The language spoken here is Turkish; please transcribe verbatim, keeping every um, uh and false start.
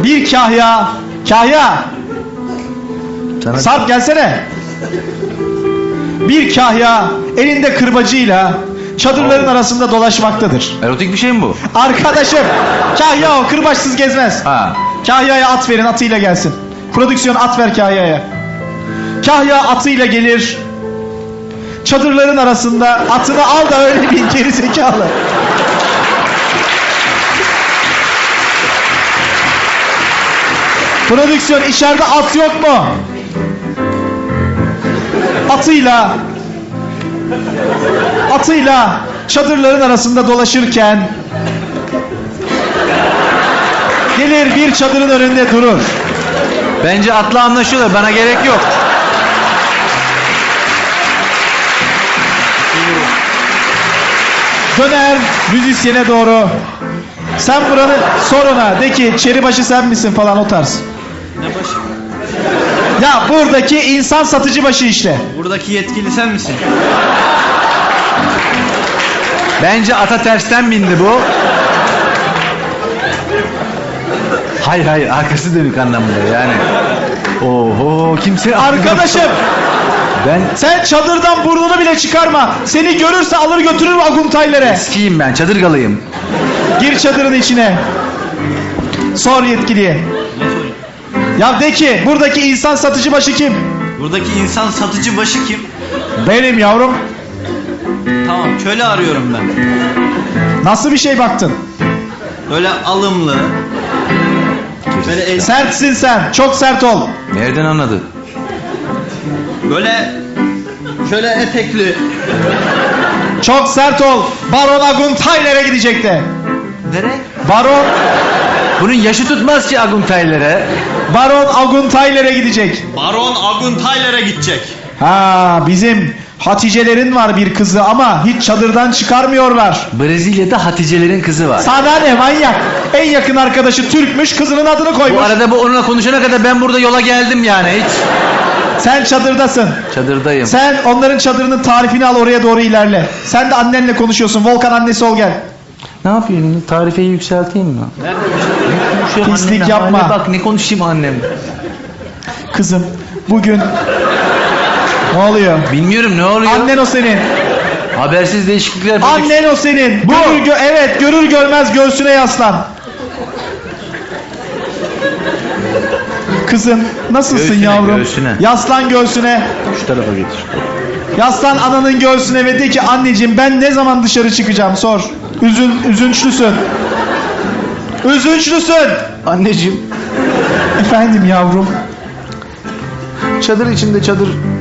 Bir kahya. Kahya. Sana... Sarp gelsene. Bir kahya elinde kırbacıyla çadırların arasında dolaşmaktadır. Erotik bir şey mi bu? Arkadaşım, kahya o, kırbaçsız gezmez. Ha. Kahya'ya at verin, atıyla gelsin. Prodüksiyon at ver Kahya'ya. Kahya atıyla gelir. Çadırların arasında atını al da öyle bin, geri zekalı. Prodüksiyon, içeride at yok mu? Atıyla Atıyla çadırların arasında dolaşırken gelir bir çadırın önünde durur. Bence atla anlaşıyorlar. Bana gerek yok. Döner müzisyene doğru. Sen buranı sor ona. De ki çeribaşı sen misin falan, o tarz. Ne başı? Ya buradaki insan satıcı başı işte. Buradaki yetkili sen misin? Bence ata tersten bindi bu. Hayır hayır, arkası dönük anlamında yani. Oho, kimse... Arkadaşım, Ben sen çadırdan burnunu bile çıkarma. Seni görürse alır götürür Aguntaylere. eskiyim, ben çadırgalıyım. Gir çadırın içine. Sor yetkiliye. Ne sorayım? Ya de ki buradaki insan satıcı başı kim? Buradaki insan satıcı başı kim? Benim yavrum. Tamam, köle arıyorum ben. Nasıl bir şey baktın? Böyle alımlı. Böyle el, Sertsin sen. Çok sert ol. Nereden anladı? böyle şöyle etekli. Çok sert ol. Baron Aguntayler'e gidecekti. Nereye? Baron Bunun yaşı tutmaz ki Aguntayler'e. Baron Aguntayler'e gidecek. Baron Aguntayler'e gidecek. Ha, bizim Hatice'lerin var bir kızı ama hiç çadırdan çıkarmıyorlar. Brezilya'da Hatice'lerin kızı var. Sana ne manyak? En yakın arkadaşı Türkmüş, kızının adını koymuş. Bu arada bu onunla konuşana kadar ben burada yola geldim yani hiç. Sen çadırdasın. Çadırdayım. Sen onların çadırının tarifini al, oraya doğru ilerle. Sen de annenle konuşuyorsun. Volkan annesi ol, gel. Ne yapayım? Tarifeyi yükselteyim mi? Nerede? Konuşuyorum Pislik annemle. yapma. Anne bak ne konuşayım annem. Kızım bugün ne oluyor? Bilmiyorum ne oluyor. Annen o senin. Habersiz değişiklikler. Annen o senin. Bu. Görür gö evet, görür görmez göğsüne yaslan. Kızım nasılsın Göğsüne, yavrum? göğsüne. Yaslan göğsüne. Şu tarafa getir. Yaslan ananın göğsüne ve de ki anneciğim ben ne zaman dışarı çıkacağım, sor. Üzün, üzünçlüsün. Üzünçlüsün. Anneciğim, Efendim yavrum. çadır içinde çadır